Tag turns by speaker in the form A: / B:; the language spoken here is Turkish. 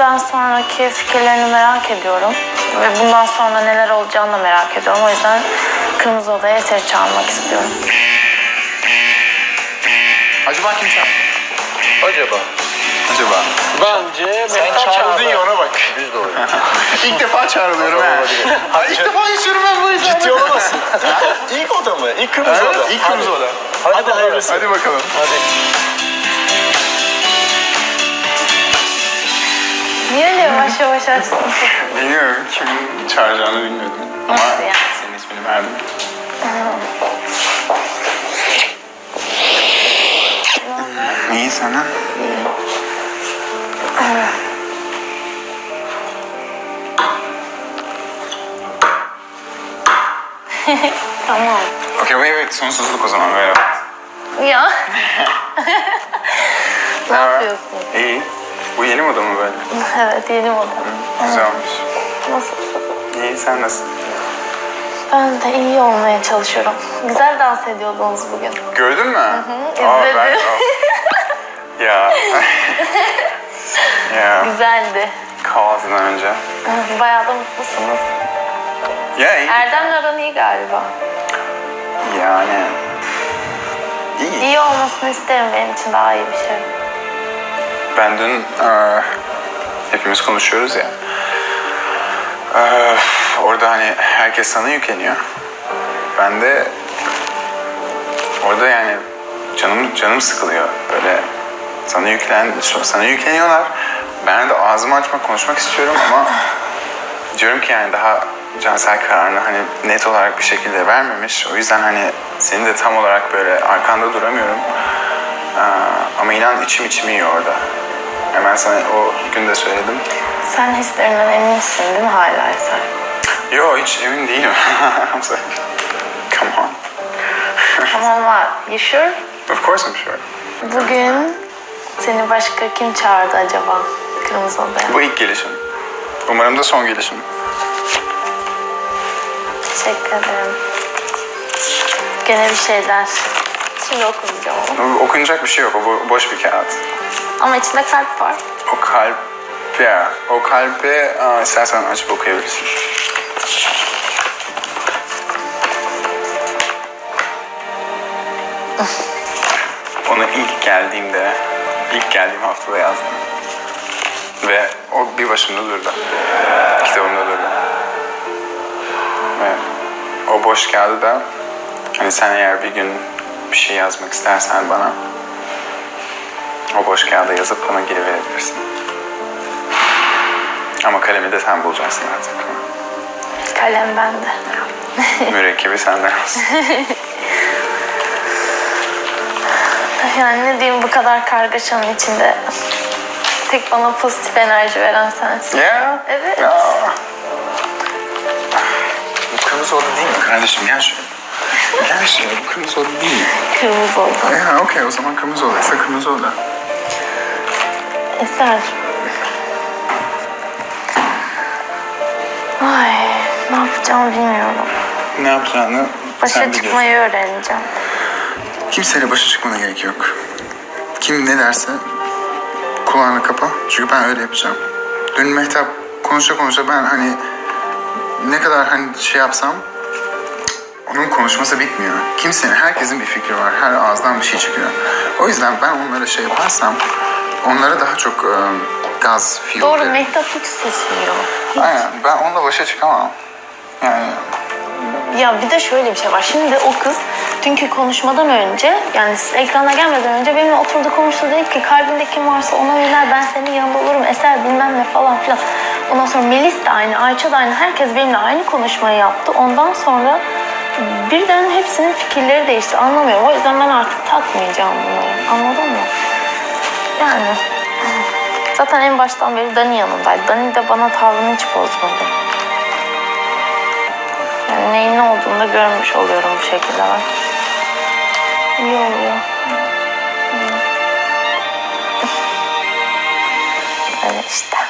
A: düğünden sonraki fikirlerini merak ediyorum. Ve bundan sonra neler olacağını da merak ediyorum. O yüzden Kırmızı Oda'ya eseri çağırmak istiyorum.
B: Acaba kim çağırdı?
C: Acaba?
D: Bence
B: Sen
D: Mehtap
B: çağrıldın ya, ona bak.
C: Düz doğru.
B: İlk defa çağrılıyorum ha. İlk defa yaşıyorum ben bu yüzden.
D: Ciddi olamazsın. İlk oda mı? İlk Kırmızı
B: Evet,
D: Oda.
B: ilk Kırmızı Oda.
D: Hadi hayırlısı.
B: Hadi bakalım.
D: Hadi.
A: Niye öyle yavaş yavaş açtın?
B: Bilmiyorum, kimin çağıracağını bilmiyordum. Ama
A: Nasıl yani?
B: senin ismini verdim. İyi sana.
A: Tamam.
B: Okey, wait, sonsuzluk o zaman, merhaba.
A: Ya. Ne yapıyorsun?
B: İyi. Bu yeni moda mı böyle?
A: Evet, yeni moda.
B: Güzel olmuş.
A: Nasılsın?
B: İyi, sen nasılsın?
A: Ben de iyi olmaya çalışıyorum. Güzel dans ediyordunuz bugün.
B: Gördün mü?
A: izledim.
B: Ya. Ya.
A: Güzeldi.
B: Kahvaltıdan önce.
A: Bayağı da mutlusunuz.
B: Ya iyi.
A: Erdem'le aran iyi galiba.
B: Yani. İyi.
A: İyi olmasını isterim, benim için daha iyi bir şey.
B: Ben dün hepimiz konuşuyoruz ya. Orada hani herkes sana yükleniyor. Ben de orada yani canım sıkılıyor. Böyle sana yükleniyorlar. Ben de ağzımı açmak, konuşmak istiyorum ama diyorum ki yani daha Cansel kararını hani net olarak bir şekilde vermemiş. O yüzden hani senin de tam olarak böyle arkanda duramıyorum. Ama inan içim yiyor orada. Hemen sana o gün de söyledim.
A: Sen hislerinden eminsin değil mi hala Eser?
B: Yo, hiç emin değilim. Come on.
A: Tamam var. You sure?
B: Of course I'm sure.
A: Bugün seni başka kim çağırdı acaba Kırmızı Oda'ya?
B: Bu ilk gelişim. Umarım da son gelişim.
A: Teşekkür ederim. Gene bir şeyler. Şimdi okumayacağım onu.
B: Okunacak bir şey yok. O boş bir kağıt.
A: Ama içinde kalp var.
B: O kalbe istersen açıp okuyabilirsin. Onu ilk geldiğim haftada yazdım. Ve o bir başımda durdu. Kitabımda durdu. Ve o boş kağıdı da hani sen eğer bir gün bir şey yazmak istersen bana o boş kağıda yazıp bana geri verebilirsin. Ama kalemi de sen bulacaksın artık.
A: Kalem bende.
B: Mürekkebi senden olsun.
A: Yani ne diyeyim, bu kadar kargaşanın içinde tek bana pozitif enerji veren sensin.
B: Ya.
A: Evet.
B: Ya. Bu kırmızı oda değil mi kardeşim? Gel şuraya. Gel şuraya. Bu kırmızı oda değil mi?
A: Kırmızı oldu.
B: Ya okey, o zaman kırmızı odaysa kırmızı oda.
A: Eser. Ay, ne yapacağımı bilmiyorum.
B: Ne yapacağını
A: Başa
B: sen biliyorsun.
A: çıkmayı öğreneceğim.
B: Kimseyle başa çıkmana gerek yok. Kim ne derse kulağını kapa. Çünkü ben öyle yapacağım. Dün Mehtap konuşa ben hani ne kadar hani şey yapsam onun konuşması bitmiyor. Herkesin bir fikri var. Her ağızdan bir şey çıkıyor. O yüzden ben onlara şey yaparsam onlara daha çok gaz fuel
A: Doğru,
B: veririm.
A: Mehtap hiç susmuyor.
B: Aynen, ben onunla başa çıkamam. Yani
A: Ya bir de şöyle bir şey var. Şimdi o kız dünkü konuşmadan önce, yani ekrana gelmeden önce benimle oturdu konuştu, dedi ki kalbinde kim varsa ona yönel, ben senin yanında olurum, Eser bilmem ne falan filan. Ondan sonra Melis de aynı, Ayça da aynı, herkes benimle aynı konuşmayı yaptı. Ondan sonra birden hepsinin fikirleri değişti, anlamıyorum. O yüzden ben artık takmayacağım bunları, anladın mı? Yani zaten en baştan beri Dani yanındaydı. Dani de bana tavrını hiç bozmadı. Yani neyin ne olduğunu da görmüş oluyorum bu şekilde ben. İyi oluyor. Öyle işte.